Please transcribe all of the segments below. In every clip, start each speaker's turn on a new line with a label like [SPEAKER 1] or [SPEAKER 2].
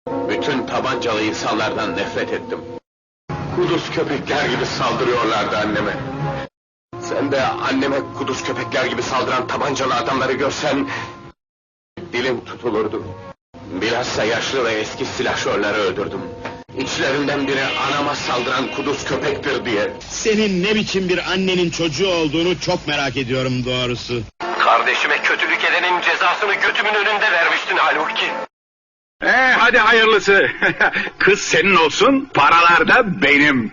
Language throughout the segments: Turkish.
[SPEAKER 1] Bütün tabancalı insanlardan nefret ettim. Kuduz köpekler gibi saldırıyorlardı anneme. Sen de anneme kuduz köpekler gibi saldıran tabancalı adamları görsen... dilim tutulurdu. Bilhassa yaşlı ve eski silahşörleri öldürdüm. İçlerinden biri anama saldıran kuduz köpektir diye.
[SPEAKER 2] Senin ne biçim bir annenin çocuğu olduğunu çok merak ediyorum doğrusu.
[SPEAKER 1] Kardeşime kötülük edenin cezasını götümün önünde vermiştin halbuki.
[SPEAKER 3] Hadi hayırlısı. Kız senin olsun, paralar da benim.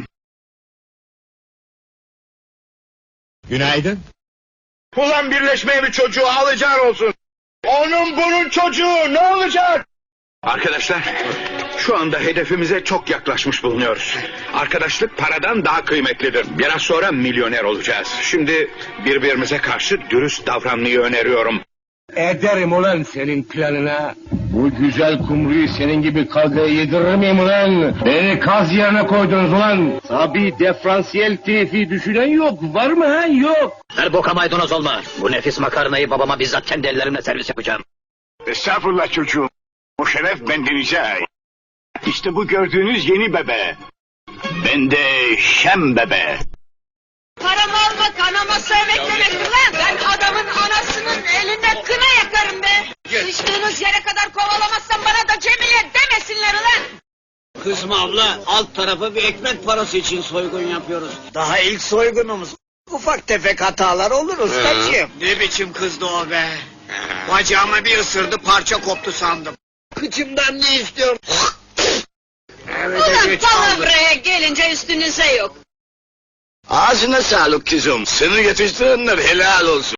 [SPEAKER 2] Günaydın.
[SPEAKER 3] Ulan birleşmeye bir çocuğu alacağın olsun. Onun bunun çocuğu ne olacak? Arkadaşlar, şu anda hedefimize çok yaklaşmış bulunuyoruz. Arkadaşlık paradan daha kıymetlidir. Biraz sonra milyoner olacağız. Şimdi birbirimize karşı dürüst davranmayı öneriyorum.
[SPEAKER 4] Ederim ulan senin planına. Bu güzel kumruyu senin gibi kazıya yedirir miyim ulan? Beni kaz yerine koydunuz ulan. Tabi diferansiyel teyfi düşünen yok. Var mı ha? Yok.
[SPEAKER 5] Her boka maydanoz olma. Bu nefis makarnayı babama bizzat kendi ellerimle servis yapacağım.
[SPEAKER 3] Estağfurullah çocuğum. O şeref bendenize. İşte bu gördüğünüz yeni bebe. Ben de Şem bebe.
[SPEAKER 6] Paramı almak anama sövmek demektir lan! Ben adamın anasının elinde kına yakarım be! Sıçtığınız yere kadar kovalamazsan bana da Cemile demesinler ulan!
[SPEAKER 5] Kızma abla, alt tarafı bir ekmek parası için soygun yapıyoruz. Daha ilk soygunumuz. Ufak tefek hatalar olur ustacığım. Ne biçim kızdı o be? Bacağıma bir ısırdı, parça koptu sandım. Kıçımdan ne istiyor?
[SPEAKER 6] Ulan palavraya gelince üstünüze yok!
[SPEAKER 3] Ağzına sağlık kızım. Seni yetiştirenler helal olsun.